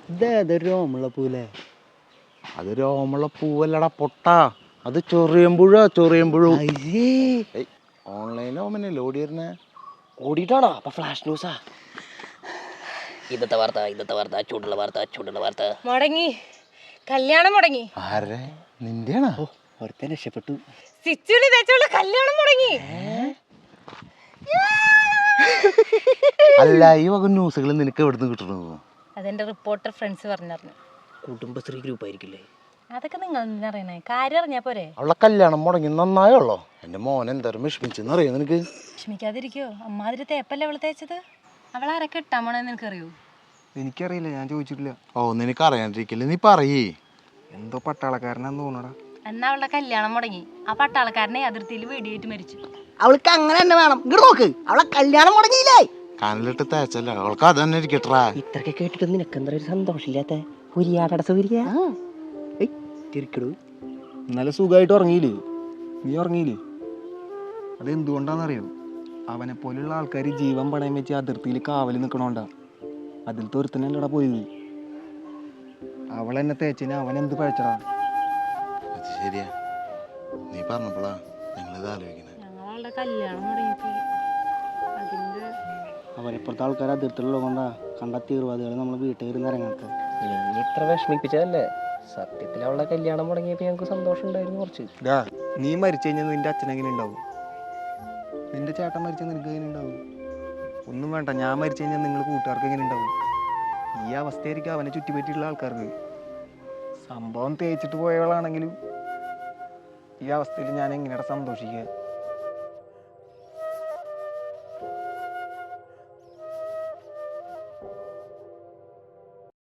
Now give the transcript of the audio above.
ഇതേത് രോമുള്ള പൂലേ? അത് രോമുള്ള പൂവല്ലടാ പൊട്ടാ, അത് ചൊറിയമ്പുഴ. ഓൺലൈനിൽ ഓമനല്ലേ ഓടി വരുന്നേ? ഓടിയിട്ടാണോ? അപ്പൊ ഫ്ലാഷ് ന്യൂസാ. ഇന്നത്തെ വാർത്ത ചൂടുള്ള വാർത്ത. മുടങ്ങി, കല്യാണം മുടങ്ങി. ആരെ? നിന്റെയാണോ? ഒരുത്തൻ രക്ഷപ്പെട്ടു. സിച്ചുവിന് തേച്ചുള്ള കല്യാണം മുടങ്ങി. അല്ല, ഈ വക ന്യൂസുകൾ നിനക്ക് എവിടുന്ന് കിട്ടണത്? അതെന്റെ റിപ്പോർട്ടർ ഫ്രണ്ട്സ് പറഞ്ഞറിഞ്ഞു. കുടുംബശ്രീ ഗ്രൂപ്പ് ആയിരിക്കില്ലേ? അതൊക്കെ നിങ്ങൾ എന്തിനറിയണേ? കാര്യം അറിഞ്ഞാ പോരെ. അവളെ കല്യാണം മുടങ്ങി നന്നായുള്ളോ? എന്റെ മോൻ എന്തായാലും വിഷമിച്ചെന്ന് അറിയാം നിനക്ക്. വിഷമിക്കാതിരിക്കോ? അമ്മാതിരി തേപ്പല്ലേ അവള് തേച്ചത്. അവളാരൊക്കെ ഇട്ടാ മോണെന്ന് നിനക്കറിയോ? എനിക്കറിയില്ല, ഞാൻ ചോദിച്ചിട്ടില്ല. ഓ, നിനക്ക് അറിയാണ്ടിരിക്കില്ല, നീ പറയേ. എന്തോ പട്ടാളക്കാരനാന്ന് തോന്നടാ. എന്നാ അവളുടെ കല്യാണം മുടങ്ങി. ആ പട്ടാളക്കാരനെ അതിർത്തിയിൽ വെടിയേറ്റ് മരിച്ചു. അവൾക്ക് അങ്ങനെ തന്നെ വേണം. ഇങ്ങോട്ട് നോക്ക്, അവളെ കല്യാണം മുടങ്ങിയില്ലേ? കനലിട്ട് തേച്ചല്ല, അവൾക്ക് അത് തന്നെ ഇരിക്കട്ടാ. ഇത്രയൊക്കെ കേട്ടിട്ട് നിനക്ക് എന്താ ഒരു സന്തോഷമില്ലാത്ത? ഉരിയാട സൗകര്യ തിരിക്കടൂ. ഇന്നലെ സുഖമായിട്ട് ഉറങ്ങിയില്ലേ? നീ ഉറങ്ങിയില്ലേ? അതെന്തുകൊണ്ടാണെന്നറിയോ? അവനെ പോലുള്ള ആൾക്കാർ ജീവൻ പണയം വെച്ച് അതിർത്തിയിൽ കാവൽ നിൽക്കണോണ്ടാ. അതിലത്തെ ഒരുത്തനല്ലടാ പോയത്. അവളെന്നെ തേച്ചിന് അവൻ എന്ത് പഴച്ചടാ. അത് ശരിയാ, നീ പറഞ്ഞപ്പോഴാ ഞങ്ങളിത് ആലോചിക്കണേ. ഞങ്ങളവളുടെ കല്യാണം മുടങ്ങിപ്പോയി. അതിന്റെ അവരെപ്പോഴത്തെ ആൾക്കാർ അതിർത്തിലുള്ള കൊണ്ടാ കണ്ട തീർവാദികൾ നമ്മളെ വീട്ടിൽ ഇറങ്ങാത്ത. നീ ഇത്ര വിഷമിപ്പിച്ചതല്ലേ? സത്യത്തിൽ അവളുടെ കല്യാണം മുടങ്ങിയപ്പോൾ ഞങ്ങൾക്ക് സന്തോഷം ഉണ്ടായിരുന്നു കുറച്ച്. നീ മരിച്ചു കഴിഞ്ഞാൽ നിന്റെ അച്ഛൻ എങ്ങനെ ഉണ്ടാവും? നിന്റെ ചേട്ടൻ മരിച്ചാൽ നിനക്ക് എങ്ങനെ ഉണ്ടാവും? ഒന്നും വേണ്ട, ഞാൻ മരിച്ചു കഴിഞ്ഞാൽ നിങ്ങൾ കൂട്ടുകാർക്ക് എങ്ങനെ ഉണ്ടാവും? ഈ അവസ്ഥയായിരിക്കും അവനെ ചുറ്റിപ്പറ്റിയുള്ള ആൾക്കാർക്ക്. സംഭവം തേച്ചിട്ട് പോയവളാണെങ്കിലും ഈ അവസ്ഥയിൽ ഞാൻ എങ്ങനെയാണ് സന്തോഷിക്കുക?